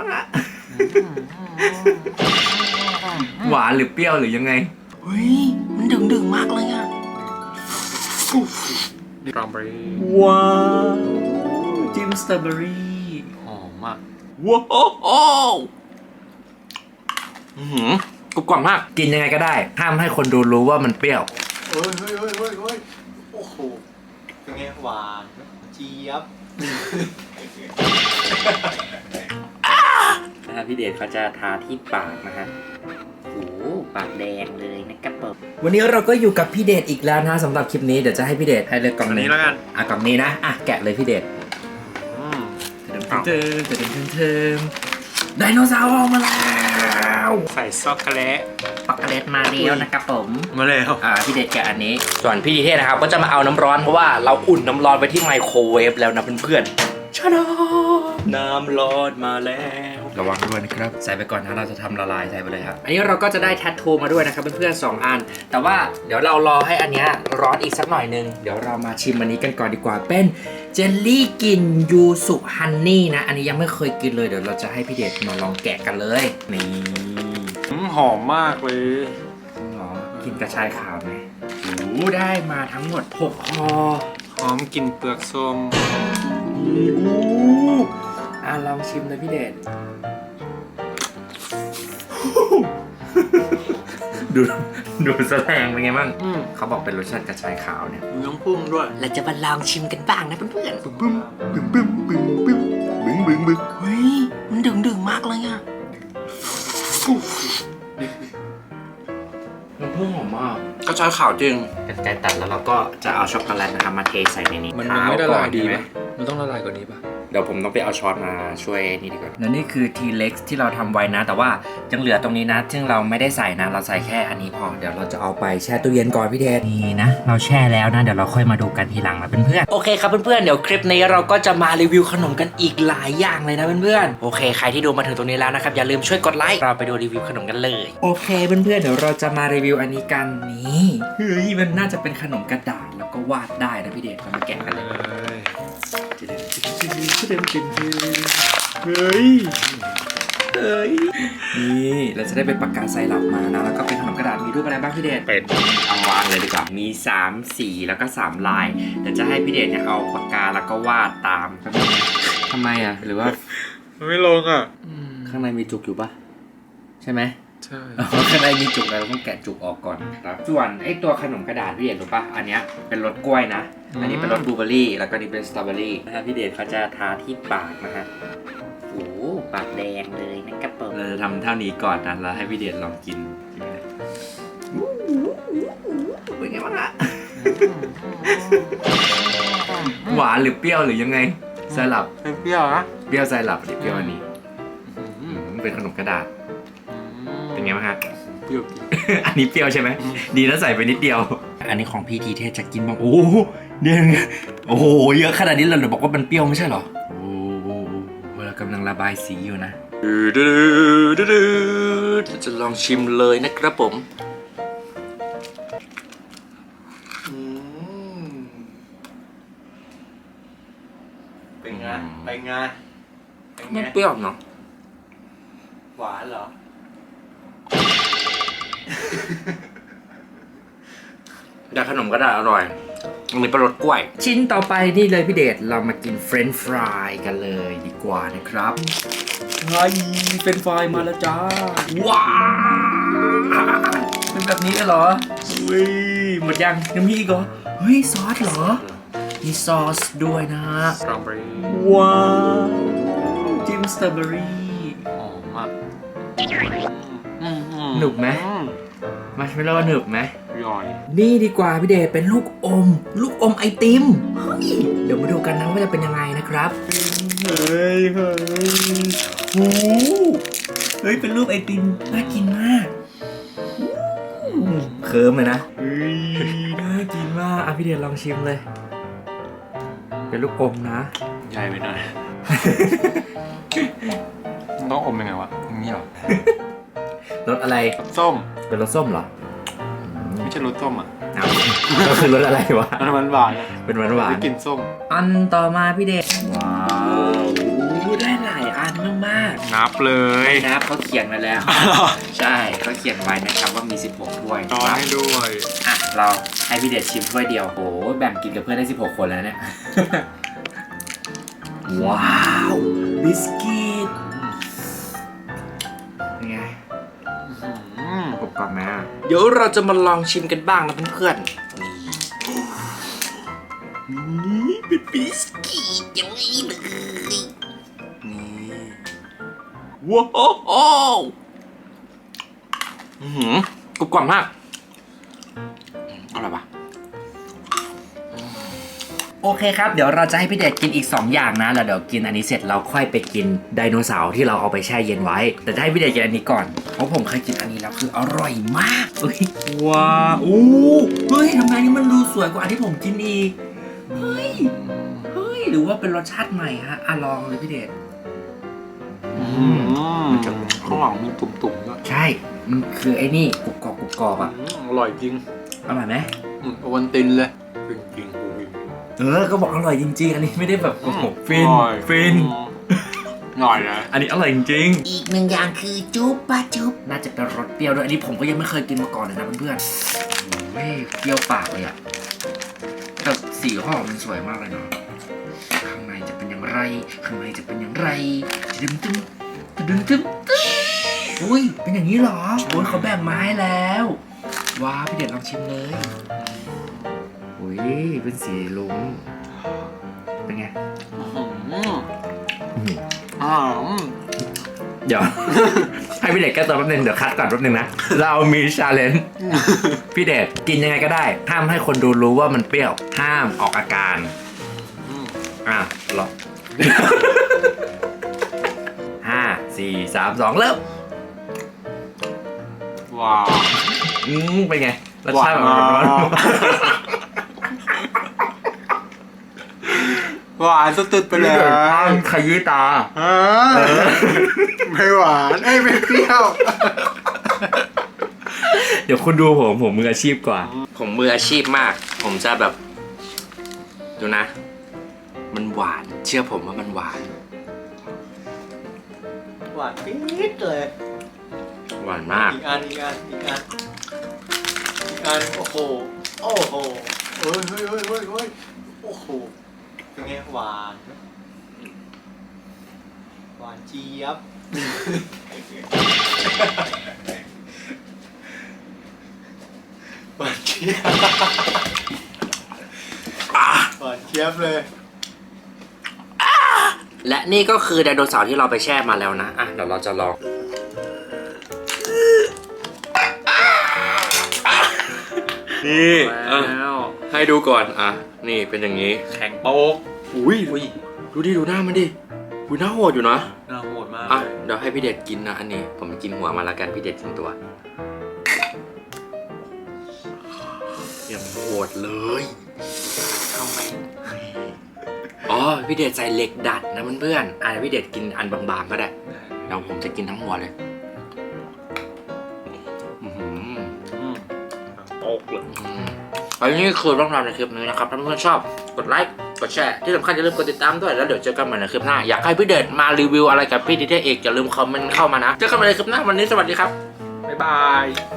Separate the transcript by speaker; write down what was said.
Speaker 1: างอะหวานหรือเปรี้ยวหรือยังไง
Speaker 2: เฮ้ยมันดึงมากเลยอ่ะ
Speaker 3: สตรอเบอรี่
Speaker 1: ว้าวจิ้มสตรอเบอรี่
Speaker 3: หอมมาก
Speaker 1: ว้าวกรุบกรอบมากกินยังไงก็ได้ห้ามให้คนดูรู้ว่ามันเปรี้ยว
Speaker 3: เฮ้ยโอ้โหเป็นไงหวานเจี๊ยบ
Speaker 1: นะครับพี่เดชเขาจะทาที่ปากนะฮะโอ้ปากแดงเลยนะครับผมวันนี้เราก็อยู่กับพี่เดชอีกแล้วนะสำหรับคลิปนี้เดี๋ยวจะให้พี่เดชให้เลือกกล่องนี้แล้วกันกล่องนี้นะแกะเลยพี่เดชเติมไดโนเสาร์ออกมาแล้ว
Speaker 3: ใส่ช็อกโกแลต
Speaker 1: ช็อกโกแลตมาแล้วนะครับผม
Speaker 3: มาแล้ว
Speaker 1: พี่เดชแกะอันนี้ส่วนพี่ดีเทศนะครับก็จะมาเอาน้ำร้อนเพราะว่าเราอุ่นน้ำร้อนไปที่ไมโครเวฟแล้วนะเพื่อนๆชาดาน้ำร้อนมาแล้วระวังด้วยนะครับใส่ไปก่อนนะเราจะทำละลายใส่ไปเลยครับอันนี้เราก็จะได้แทททูมาด้วยนะครับเพื่อนๆ2 อันแต่ว่าเดี๋ยวเรารอให้อันนี้ร้อนอีกสักหน่อยนึงเดี๋ยวเรามาชิมอันนี้กันก่อนดีกว่าเป็นเจลลี่กลิ่นยูสุฮันนี่นะอันนี้ยังไม่เคยกินเลยเดี๋ยวเราจะให้พี่เดชมาลองแกะกันเลยนี่
Speaker 3: หอมมากเลย
Speaker 1: หรอกินกระชายขาวไหมได้มาทั้งหมด6 ห่อ
Speaker 3: หอมกลิ่นเปลือกส้ม
Speaker 1: ลองชิมเลยพี่เดชดูแสดงเป็นไงบ้างเขาบอกเป็นรสชาติกระชายขาวเนี่ย
Speaker 3: น้ำพุ่งด้วย
Speaker 2: เราจะมาลองชิมกันบ้างนะเพื่อนๆ
Speaker 3: บึ้ม
Speaker 2: เฮ้ยมันดึงมากเลยอ่ะ
Speaker 1: น้ำผึ้งหอมมาก
Speaker 3: กระชายขาวจริง
Speaker 1: กันไกรตัดแล้วเราก็จะเอาช็อกโกแลตนะครับมาเทใส่ในนี้
Speaker 3: มันไม่ละลายดีไหมมันต้องละลายกว่านี้ป่ะ
Speaker 1: เดี๋ยวผมต้องไปเอาช้อนมาช่วยนี่ดีกว่าและนี่คือ T-Rex ที่เราทำไว้นะแต่ว่ายังเหลือตรงนี้นะซึ่งเราไม่ได้ใส่นะเราใส่แค่อันนี้พอเดี๋ยวเราจะเอาไปแช่ตู้เย็นก่อนพี่เทศนี่นะเราแช่แล้วนะเดี๋ยวเราค่อยมาดูกันทีหลังนะเพื่อนๆโอเคครับเพื่อนๆเดี๋ยวคลิปนี้เราก็จะมารีวิวขนมกันอีกหลายอย่างเลยนะเพื่อนๆโอเคใครที่ดูมาถึงตรงนี้แล้วนะครับอย่าลืมช่วยกดไลค์เราไปดูรีวิวขนมกันเลยโอเคเพื่อนๆเดี๋ยวเราจะมารีวิวอันนี้กันนี่เฮ้ยมันน่าจะเป็นขนมกระดาษแล้วก็วาดได้นะพี่เดชเรามาแกะกันเลยเฮ้ยนี่เราจะได้เป็นปากกาไซรัปมานะแล้วก็เป็นขนมกระดาษมีรูปอะไรบ้างพี่เดชเป็นเอาวางเลยดีกว่ามี3 สีแล้วก็3 ลายเดี๋ยวจะให้พี่เดชเนี่ยเอาปากกาแล้วก็วาดตามทำไมหรือว่า
Speaker 3: ไม่ลง
Speaker 1: ข้างในมีจุกอยู่ปะใช่ไหม
Speaker 3: ใช่
Speaker 1: ข้างในมีจุกเราต้องแกะจุกออกก่อนครับส่วนไอ้ตัวขนมกระดาษพี่เดชรู้ปะอันเนี้ยเป็นรสกล้วยนะอันนี้เป็นรสบลูเบอร์รี่แล้วก็นี่เป็นสตรอเบอร์รี่นะครับพี่เดชเขาจะทาที่ปากนะฮะโอ้ปากแดงเลยนะครับผมเราจะทำเท่านี้ก่อนนะแล้วให้พี่เดชลองกินเป็นไงบ้างอะหวานหรือเปรี้ยวหรือยังไงไซรัป
Speaker 3: เปรี้ยวนะ
Speaker 1: เปรี้ยวไซรัปหรือเปรี้ยวอันนี้เป็นขนมกระดาษเป็นไงบ้างฮะ
Speaker 3: เปรี้ยว
Speaker 1: อันนี้เปรี้ยวใช่ไหมดีนะใส่ไปนิดเดียวอันนี้ของพี่ทีเทศจะกินบ้างโอ้เนี่ยโอ้โหเยอะขนาดนี้เราบอกว่ามันเปรี้ยวไม่ใช่หรอโอ้เรากำลังระบายสีอยู่นะจะลองชิมเลยนะครับผม
Speaker 3: เป็นไง
Speaker 1: ไม่เปรี้ยวเนาะ
Speaker 3: หวานเหรอ
Speaker 1: แต่ขนมกระดาษอร่อยอันนี้เป็นรสกล้วยชิ้นต่อไปนี่เลยพี่เดชเรามากินเฟรนช์ฟรายกันเลยดีกว่านะครับเฮ้ยเฟรนช์ฟรายมาแล้วจ้าว้าวเป็นแบบนี้เลยเหรออุ้ยหมดยังมีอีกเหรอเฮ้ยซอสเหรอมีซอสด้วยนะฮะ
Speaker 3: สตรอเบอรี่
Speaker 1: ว้าวจิ้มสตรอเบอรี่
Speaker 3: หอมมาก
Speaker 1: หนุกไหมมาร์ชเมลโล่หนึบไหม
Speaker 3: ย่อย
Speaker 1: นี่ดีกว่าพี่เดชเป็นลูกอมไอติมเฮ้ยเดี๋ยวมาดูกันนะว่าจะเป็นยังไงนะครับเฮ้ยโอ้เฮ้ยเป็นรูปไอติมน่ากินมากเคิร์มเลยนะเฮ้ยน่ากินมากพี่เดชลองชิมเลยเป็นลูกอมนะ
Speaker 3: ใหญ่ไปหน่อยต้องอมยังไงวะอย่างนี้เหรอ
Speaker 1: รสอะไร
Speaker 3: ส้ม
Speaker 1: เป็นรสส้มเหรอ
Speaker 3: ไม่ใช่รสส้ม
Speaker 1: ก็คือรสอะไรวะ
Speaker 3: มันหวาน
Speaker 1: เป็นหวาน
Speaker 3: ไม่กินส้ม
Speaker 1: อันต่อมาพี่เดชว้าวได้หลายอันมาก
Speaker 3: ไหนนับเลย
Speaker 1: นะครับเขาเขียนไว้แล้ว ใช่เขาเขียนไว้นะครับว่ามี 16ถ้วย
Speaker 3: ช้อนให้ด้วย
Speaker 1: อ่ะเราให้พี่เดชชิมถ้วยเดียวโอ้แบ่งกินกับเพื่อนได้ 16 คนแล้วเนี่ย ว้าวบิสกิตนี่ไงกรอบๆนะเดี๋ยวเราจะมาลองชิมกันบ้างนะเพื่อนๆนี่เป็นบิสกิตอย่างนี้เลยนี่ว้าวกรอบๆมากอร่อยปะโอเคครับเดี๋ยวเราจะให้พี่เดชกินอีก2อย่างนะแล้วเดี๋ยวกินอันนี้เสร็จเราค่อยไปกินไดโนเสาร์ที่เราเอาไปแช่เย็นไว้แต่จะให้พี่เดชกินอันนี้ก่อนเพราะผมเคยกินอันนี้แล้วคืออร่อยมากเฮ้ยว้าวอู้เฮ้ยทำไมนี่มันดูสวยกว่าอันที่ผมกินอีกเฮ้ยหรือว่าเป็นรสชาติใหม่ฮะลองเลยพี่เดช
Speaker 3: ข้างหลังมีตุ่มๆด้วย
Speaker 1: ใช่มันคือไอ้นี่กรุบกรอบอ่ะ
Speaker 3: อร่อยจริง
Speaker 1: อร่อยไหม
Speaker 3: โอวันตินเลยจริง
Speaker 1: ก็บอกอร่อยจริงๆอันนี้ไม่ได้แบบโอ้โหฟิน
Speaker 3: หน่อยนะ
Speaker 1: อันนี้อร่อยจริง
Speaker 2: อีกหนึ่งอย่างคือจุ๊บปะจุ๊บ
Speaker 1: น่าจะเป็นรสเปรี้ยวด้วยอันนี้ผมก็ยังไม่เคยกินมาก่อนเลยนะเพื่อนๆเฮ้ยเปรี้ยวปากเลยอ่ะแต่สีห่อมันสวยมากเลยเนาะข้างในจะเป็นอย่างไรข้างในจะเป็นอย่างไรดึงตึ้งอุ้ยเป็นอย่างนี้เหรอโอ้ยเขาแบ่งมาให้แล้วว้าวพี่เด็ดลองชิมเลยอุ้ยเป็นสีลุ้งเป็นไง เดี๋ยว ให้พี่เด็กแก้ตัวแป๊บนึงเดี๋ยวคัดก่อนแป๊บนึงนะ เรามีชาเลนจ์พี่เด็กกินยังไงก็ได้ห้ามให้คนดูรู้ว่ามันเปรี้ยวห้ามออกอาการรอ 5 4 3 2เริ่ม
Speaker 3: ว้าว
Speaker 1: เป็นไงรสชาติแบบร้อน
Speaker 3: หวานสุดๆไปเลย
Speaker 1: ขยี้ตา
Speaker 3: ไม่หวานไม่เปรี้ยว
Speaker 1: เดี๋ยวคุณดูผมมืออาชีพกว่า ผมมืออาชีพมาก ผมจะแบบดูนะ มันหวานเชื่อผมว่ามันหวาน
Speaker 3: หวานปี๊ดเลย
Speaker 1: หวานมาก
Speaker 3: อีกอันโอ้โหเฮ้ยโอ้โหเป็นไงหวานเจี๊ยบหวานเจี๊ยบเลย
Speaker 1: และนี่ก็คือไดโนเสาร์ที่เราไปแช่มาแล้วนะเดี๋ยวเราจะลองนี่ให้ดูก่อนนี่เป็นอย่างนี้แข็งโป๊กอุ้ยดูหน้ามันดิหน้าโหดอยู่นะ
Speaker 3: น่าโหดมาก
Speaker 1: เดี๋ยวให้พี่เด็ดกินนะอันนี้ผมกินหัวมาแล้วกันพี่เด็ดกินตัวอย่างโหดเลยทำไมพี่เด็ดใส่เหล็กดัดนะเพื่อนๆพี่เด็ดกินอันบางๆก็ได้เดี๋ยวผมจะกินทั้งหัวเลยโป๊กเลยอันนี้คือเรื่องราวในคลิปนี้นะครับถ้าเพื่อนๆชอบกดไลค์กดแชร์ที่สำคัญอย่าลืมกดติดตามด้วยแล้วเดี๋ยวเจอกันใหม่ในคลิปหน้าอยากให้พี่เดชมารีวิวอะไรกับพี่ดิเทเอกอย่าลืมคอมเมนต์เข้ามานะเจอกันใหม่ในคลิปหน้าวันนี้สวัสดีครับบ๊ายบาย